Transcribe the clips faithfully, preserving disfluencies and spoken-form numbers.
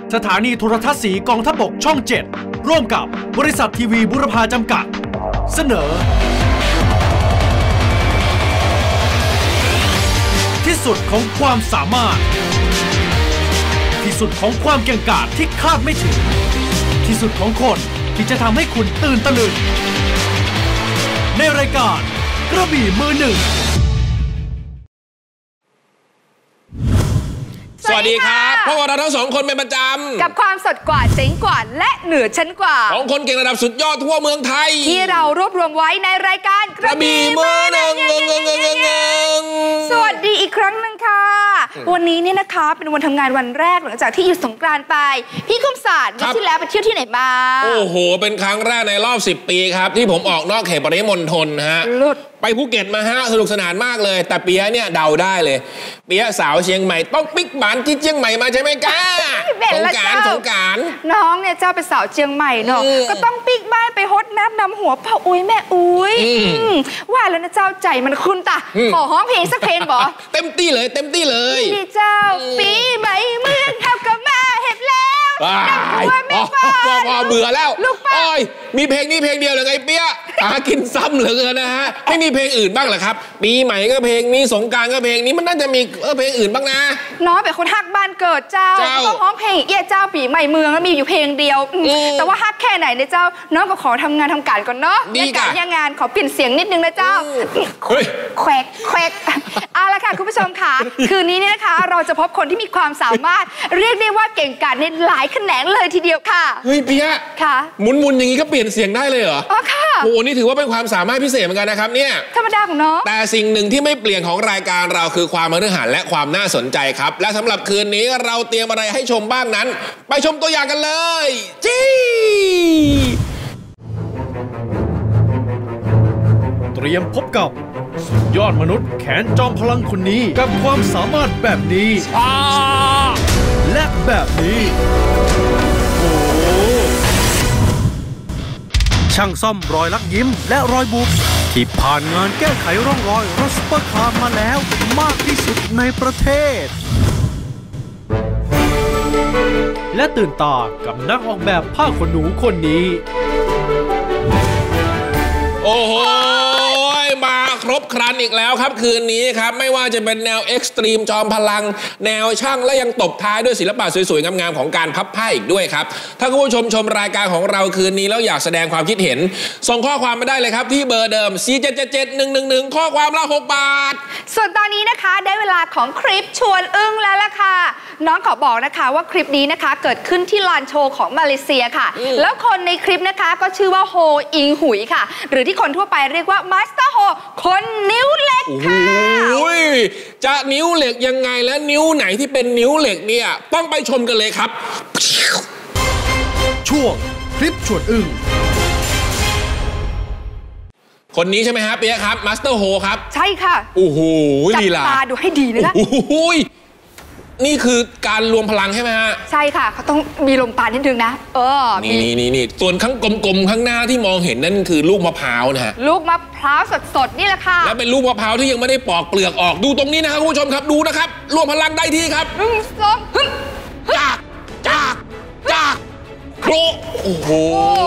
สถานีโทรทัศน์สีกองทัพบกช่องเจ็ดร่วมกับบริษัททีวีบุรพาจำกัดเสนอที่สุดของความสามารถที่สุดของความเก่งกาจที่คาดไม่ถึงที่สุดของคนที่จะทำให้คุณตื่นตะลึงในรายการกระบี่มือหนึ่งสวัสดีครับพวกเราทั้งสองคนเป็นประจำกับความสดกว่าเจ๋งกว่าและเหนือชั้นกว่าของคนเก่งระดับสุดยอดทั่วเมืองไทยที่เรารวบรวมไว้ในรายการกระบี่มือหนึ่งสวัสดีอีกครั้งหนึ่งค่ะวันนี้เนี่ยนะคะเป็นวันทำงานวันแรกหลังจากที่หยุดสงกรานต์ไปพี่คมศาสตร์วันที่แล้วไปเที่ยวที่ไหนมาโอ้โหเป็นครั้งแรกในรอบสิบปีครับที่ผมออกนอกเขตปริมณฑลฮะไปภูเก็ตมาฮะสนุกสนานมากเลยแต่เปียเนี่ยเดาได้เลยเปียสาวเชียงใหม่ต้องปิ๊กบ้านที่เชียงใหม่มาใช่ไหมก้าสงกรานต์สงกรานต์น้องเนี่ยเจ้าเป็นสาวเชียงใหม่เนาะก็ต้องปิ๊กบ้านไปฮดน้ำนำหัวพ่ออุ้ยแม่อุ้ยว่าแล้วนะเจ้าใจมันคุณตาขอฮ้องเพลงสักเพลงบ่เต็มที่เลยเต็มที่เลยนี่เจ้าปีใหม่เมืองเท่ากับมาเห็บแล้วดังหัวไม่ฟังพอเบื่อแล้วโอ้ยมีเพลงนี้เพลงเดียวเลยไงเปียหากินซ้ำเหลือเกินนะฮะไม่มีเพลงอื่นบ้างเหรอครับปีใหม่ก็เพลงนี้สงกรานต์ก็เพลงนี้มันน่าจะมีเออเพลงอื่นบ้างนะน้องเป็นคนฮักบ้านเกิดเจ้าต้องร้องเพลงเอี้ยเจ้าปีใหม่เมืองแล้วมีอยู่เพลงเดียวแต่ว่าฮักแค่ไหนเนี่ยเจ้าน้องก็ขอทำงานทำการก่อนเนาะดีการยังงานขอเปลี่ยนเสียงนิดนึงนะเจ้าแควกแควกเอาละค่ะคุณผู้ชมค่ะคืนนี้เนี่ยนะคะเราจะพบคนที่มีความสามารถเรียกได้ว่าเก่งกาจในหลายแขนงเลยทีเดียวค่ะเฮ้ยเปียค่ะหมุนๆอย่างนี้ก็เปลี่ยนเสียงได้เลยเหรออ๋อค่ะโอ้นี่ถือว่าเป็นความสามารถพิเศษเหมือนกันนะครับเนี่ยธรรมดาของน้องแต่สิ่งหนึ่งที่ไม่เปลี่ยนของรายการเราคือความมหัศจรรย์และความน่าสนใจครับและสำหรับคืนนี้เราเตรียมอะไรให้ชมบ้างนั้นไปชมตัวอย่างกันเลยจี้เตรียมพบกับสุดยอดมนุษย์แขนจอมพลังคนนี้กับความสามารถแบบนี้และแบบนี้โอ้ช่างซ่อมรอยลักยิ้มและรอยบุบที่ผ่านงานแก้ไขร่องรอยรถซุปเปอร์คาร์มาแล้วมากที่สุดในประเทศและตื่นตากับนักออกแบบผ้าขนหนูคนนี้โอ้โหมาครบครันอีกแล้วครับคืนนี้ครับไม่ว่าจะเป็นแนวเอ็กซ์ตรีมจอมพลังแนวช่างและยังตบท้ายด้วยศิลปะสวยๆงามๆของการพับผ้าอีกด้วยครับถ้าคุณผู้ชมชมรายการของเราคืนนี้แล้วอยากแสดงความคิดเห็นส่งข้อความมาได้เลยครับที่เบอร์เดิมสี่เจ็ดเจ็ดเจ็ดหนึ่งหนึ่งหนึ่งข้อความละหกบาทส่วนตอนนี้นะคะได้เวลาของคลิปชวนอึ้งแล้วล่ะค่ะน้องขอบอกนะคะว่าคลิปนี้นะคะเกิดขึ้นที่ลานโชว์ของมาเลเซียค่ะแล้วคนในคลิปนะคะก็ชื่อว่าโฮอิงหุยค่ะหรือที่คนทั่วไปเรียกว่ามาสเตอร์โฮคนนิ้วเหล็กค่ะโอ้ยจะนิ้วเหล็กยังไงและนิ้วไหนที่เป็นนิ้วเหล็กเนี่ยต้องไปชมกันเลยครับช่วงคลิปชวนอึ้งคนนี้ใช่ไหมครับเปียครับมาสเตอร์โฮครับใช่ค่ะโอ้โหจับตาดูให้ดีนะโอ้โหนี่คือการรวมพลังใช่ไหมฮะใช่ค่ะเขาต้องมีลมปราณนิดนึงนะเออนี่นี่นี่ส่วนข้างกลมๆข้างหน้าที่มองเห็นนั่นคือลูกมะพร้าวนะฮะลูกมะพร้าวสดๆนี่แหละค่ะและเป็นลูกมะพร้าวที่ยังไม่ได้ปอกเปลือกออกดูตรงนี้นะครับคุณผู้ชมครับดูนะครับรวมพลังได้ที่ครับหนึ่งสองจากจากจากโครโอ้โห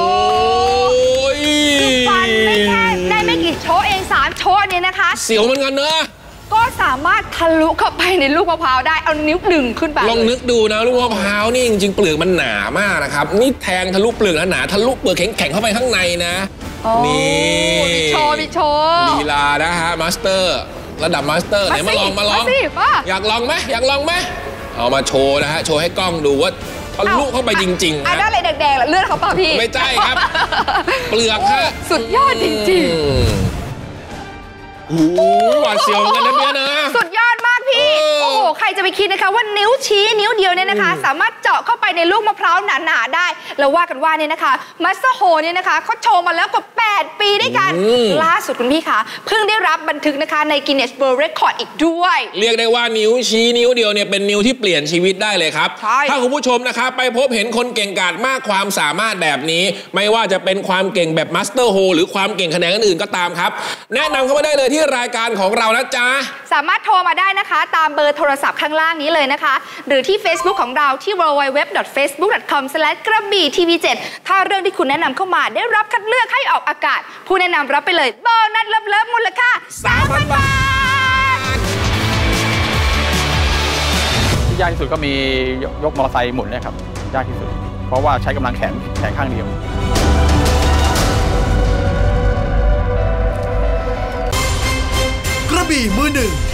ฟันไม่แค่ได้ไม่กี่โชว์เองสามโชว์เนี่ยนะคะเสียวเหมือนกันเนอะก็สามารถทะลุเข้าไปในลูกมะพร้าวได้เอานิ้วดึงขึ้นไปลองนึกดูนะลูกมะพร้าวนี่จริงๆเปลือกมันหนามากนะครับนี่แทงทะลุเปลือกหนาทะลุเปลือกแข็งๆเข้าไปข้างในนะนี่มีโชว์มีโชว์ลีลานะฮะมาสเตอร์ระดับมาสเตอร์ไหนมาลองมาลองอยากลองไหมอยากลองไหมเอามาโชว์นะฮะโชว์ให้กล้องดูว่าทะลุเข้าไปจริงๆอ่ะได้อะไรแดงๆเลือดเขาเปล่าพี่ไม่ใช่ครับเปลือกฮะสุดยอดจริงๆโอ้โหหวาดเสียวกันนะเปียนะสุดยอดมากพี่โอ้โหใครจะไปคิดนะคะว่านิ้วชี้นิ้วเดียวเนี่ยนะคะสามารถเจาะเข้าไปในลูกมะพร้าวหนาๆได้แล้วว่ากันว่าเนี่ยนะคะมาสเตอร์โฮเนี่ยนะคะเขาโชว์มาแล้วกว่าแปดปีด้วยกันล่าสุดคุณพี่คะเพิ่งได้รับบันทึกนะคะใน Guinness World Record อีกด้วยเรียกได้ว่านิ้วชี้นิ้วเดียวเนี่ยเป็นนิ้วที่เปลี่ยนชีวิตได้เลยครับถ้าคุณผู้ชมนะคะไปพบเห็นคนเก่งกาจมากความสามารถแบบนี้ไม่ว่าจะเป็นความเก่งแบบมาสเตอร์โฮหรือความเก่งแขนงอื่นๆก็ตามครับแนะนำเข้ามาได้เลยที่รายการของเรานะจ๊ะสามารถโทรมาได้นะคะตามเบอร์โทรศัพท์ข้างล่างนี้เลยนะคะหรือที่ Facebook ของเราที่ ดับเบิลยู ดับเบิลยู ดับเบิลยูบ ดอท เฟซบุ๊ก ดอท คอม สแลช กระบี่ทีวีเจ็ด ถ้าเรื่องที่คุณแนะนำเข้ามาได้รับคัดเลือกให้ออกอากาศผู้แนะนำรับไปเลยโบนัสเลิฟๆมูลค่า สามพัน บาทที่ยากที่สุดก็มียกมอเตอร์ไซค์หมุนเนี่ยครับยากที่สุดเพราะว่าใช้กำลังแขนแขนข้างเดียวกระบี่มือหนึ่ง